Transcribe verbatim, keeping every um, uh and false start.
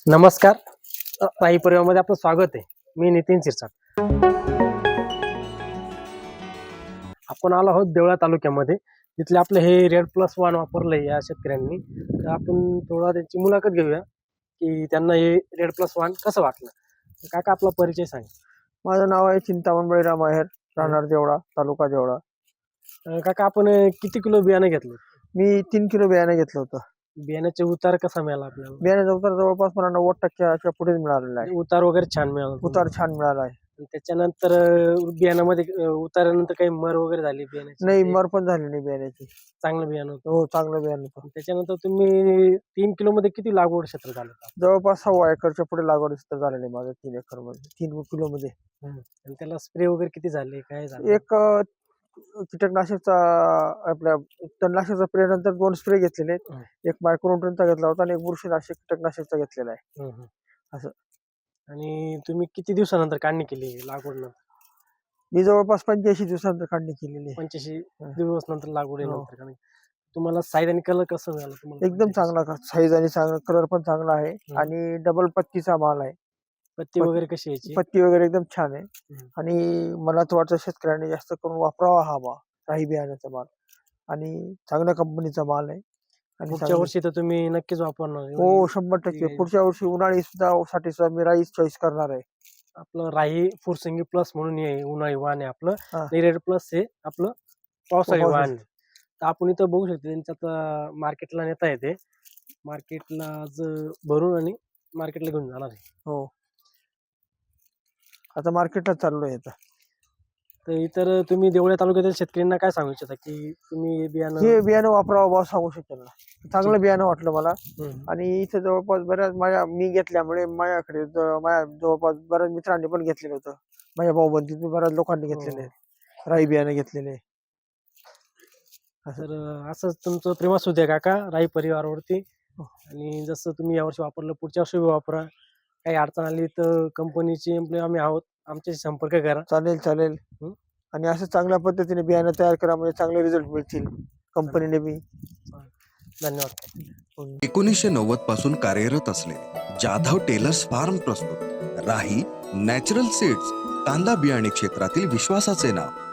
नमस्कार. अ, राही परिवारामध्ये आपलं स्वागत आहे. मी नितीन शिरसाट. आपण आलो आहोत देवळा तालुक्यामध्ये. तिथले आपलं हे रेड प्लस वन वापरलंय या शेतकऱ्यांनी. तर आपण थोडा त्यांची मुलाखत घेऊया की त्यांना हे रेड प्लस वन कसं वाटलं. काका आपला परिचय सांगा. माझं नाव आहे चिंतामण बळीराम आहेर, राहणार देवळा, तालुका देवळा. अ, काका आपण अ, किती किलो बियाणं घेतलं. मी तीन किलो बियाणं घेतलं होतं. बियाण्याचे उतार कसा मिळाला आपल्याला. बियाण्याचा उतार जवळपास मला नव्वद टक्क्याच्या पुढेच मिळालेला आहे. उतार वगैरे छान मिळाला. उतार छान मिळाला आहे. आणि त्याच्यानंतर अ, बियाणामध्ये अ, उतारानंतर काही मर वगैरे झाली बियाण्याची. नाही, मर पण झाली नाही बियाण्याची. चांगलं बियाणं होतं. हो, चांगलं बियाणं होतं. त्याच्यानंतर तुम्ही तीन किलो मध्ये किती लागवड क्षेत्र झालं. जवळपास सव्वा एकरच्या पुढे लागवड झालेली आहे माझं तीन एकर मध्ये तीन किलो मध्ये. आणि त्याला स्प्रे वगैरे किती झाले काय झालं. एक अ, कीटकनाशकचा आपल्या तणनाशकचा स्प्रे नंतर दोन स्प्रे घेतलेले आहेत. एक मायक्रोन्यूट्रनचा घेतला होता आणि एक बुरशीनाशक कीटकनाशकचा घेतलेला आहे. हम्म, हम्म. असं. आणि तुम्ही किती दिवसानंतर काढणी केली लागवड नंतर. मी जवळपास पंच्याऐंशी दिवसानंतर काढणी केलेली आहे. पंच्याऐंशी दिवस नंतर लागवड हो. नंतर काढणी. तुम्हाला साईज आणि कलर कसं मिळालं तुम्हाला. एकदम चांगला साईज आणि चांगला कलर पण चांगला आहे हम्म. आणि डबल पत्तीचा माल आहे. पत्ती वगैरे कशी यायची. पत्ती वगैरे एकदम छान आहे. हम्म. आणि मला तर वाटतं शेतकऱ्यांनी जास्त करून वापरावा हा माल, राही बियाण्याचा माल, आणि चांगल्या कंपनीचा माल आहे. आणि पुढच्या चांगली- वर्षी तर तुम्ही नक्कीच वापरणार. हो, शंभर टक्के राही- पुढच्या वर्षी उन्हाळी सुद्धा साठी सुद्धा मी राईस चॉईस करणार आहे. आपलं राही फुरसंगी प्लस म्हणून हे उन्हाळी वाण आहे आपलं. हा. रेड प्लस हे आपलं पावसाळी पावसाळी. वाण आहे. तर आपण इथं बघू शकतो त्यांच्यात मार्केटला नेता येते. मार्केटला आज भरून आणि मार्केटला घेऊन जाणार आहे. हो, आता मार्केटला चाललोय आता. तर इतर तुम्ही देवळ्या तालुक्यातील शेतकऱ्यांना काय सांगू इच्छिता की तुम्ही हे बियाणं. हे बियाणं वापरावं बा सांगू शकेल ना. चांगलं बियाणं वाटलं मला. हम्म. आणि इथे जवळपास बऱ्याच माझ्या मी घेतल्यामुळे माझ्याकडे ज- माझ्या जवळपास बऱ्याच मित्रांनी पण घेतलेलं होतं. माझ्या भाऊबंदीत बऱ्याच लोकांनी घेतलेले आहेत. राई बियाणं घेतलेले. तर अं, असंच तुमचं प्रेम असू द्या काका राई परिवारावरती. आणि जसं तुम्ही यावर्षी वापरलं पुढच्या वर्षी वापरा. काही अडचण आली तर कंपनीची एम्प्लॉय आम्ही आहोत, आमच्याशी संपर्क करा. चालेल चालेल. हं? आणि असं चांगल्या पद्धतीने बियाणं तयार करा म्हणजे चांगले रिझल्ट मिळतील कंपनीने बी. धन्यवाद. एकोणीसशे नव्वद पासून कार्यरत असलेले जाधव टेलर्स फार्म प्रस्तुत राही नॅचरल सीड्स, कांदा बियाणे क्षेत्रातील विश्वासाचे नाव.